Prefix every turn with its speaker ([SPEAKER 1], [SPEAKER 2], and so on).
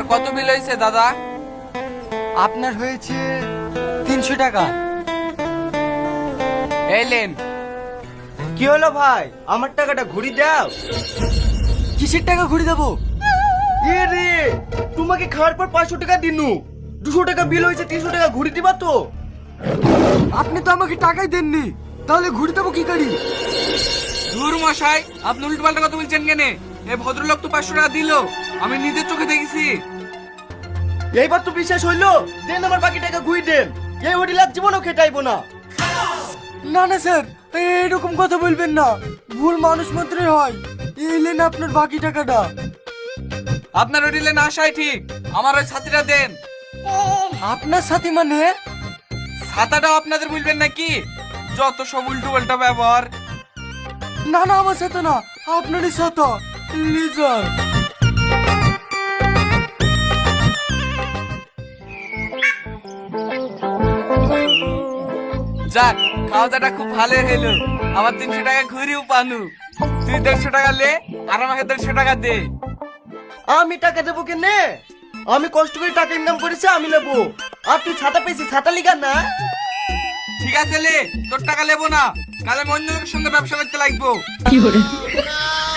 [SPEAKER 1] আমার কত বিল হয়েছে দাদা?
[SPEAKER 2] আপনার হয়েছে 300 টাকা।
[SPEAKER 1] এলেন।
[SPEAKER 3] কি হলো ভাই, আমার টাকাটা ঘুরি দাও।
[SPEAKER 2] কিসের টাকা ঘুরে দেবো?
[SPEAKER 3] এ রে, তোমাকে খাওয়ার পর 500 টাকা দিনু, 200 টাকা বিল হয়েছে, 300 টাকা ঘুরি দিবা তো?
[SPEAKER 2] আপনি তো আমাকে টাকাই দেননি, তাহলে ঘুরে দেবো কি করি?
[SPEAKER 1] ধুর মশাই, আপনি উল্টোপাল্টা কথা বলছেন কেন? এই ভদ্রলোক তো 500 টাকা দিল, আমি নিজের চোখে দেখেছি।
[SPEAKER 3] এইবার তো বিশ্বাস হইলো, দেন আমার বাকি টাকা ঘুরি দেন। এই হোটেল আর জীবনও খেটাইবো না।
[SPEAKER 2] না না স্যার, এরকম কথা বলবেন না, ভুল মানুষ মাত্রই হয়। এলেন আপনার বাকি টাকাটা।
[SPEAKER 1] আপনার হোটেলে না আসাই ঠিক, আমার ওই ছাতিটা দেন।
[SPEAKER 2] আপনার সাথে মানে?
[SPEAKER 1] ছাতাটাও আপনাদের বলবেন নাকি? যত সব উল্টো পাল্টা ব্যবহার।
[SPEAKER 2] না না, আমার সাথে না, আপনারই সাথে। লিজার
[SPEAKER 1] যাক, খাওয়া দাওয়াটা খুব ভালো হলো। আমার 300 টাকা ঘুরিও পানু। তুই 150 টাকা লে, আর আমাকে 150 টাকা দে।
[SPEAKER 3] আমি টাকা দেবো কেনে? আমি কষ্ট করে টাকা ইনকাম করেছি, আমি নেবো। আর তুই ছাতা পেয়েছিস, ছাতা লিগা না?
[SPEAKER 1] ঠিক আছে লে, তোর টাকা লেবো না, কালে আমি অন্য লোকের সঙ্গে ব্যবসা করতে লাগবো।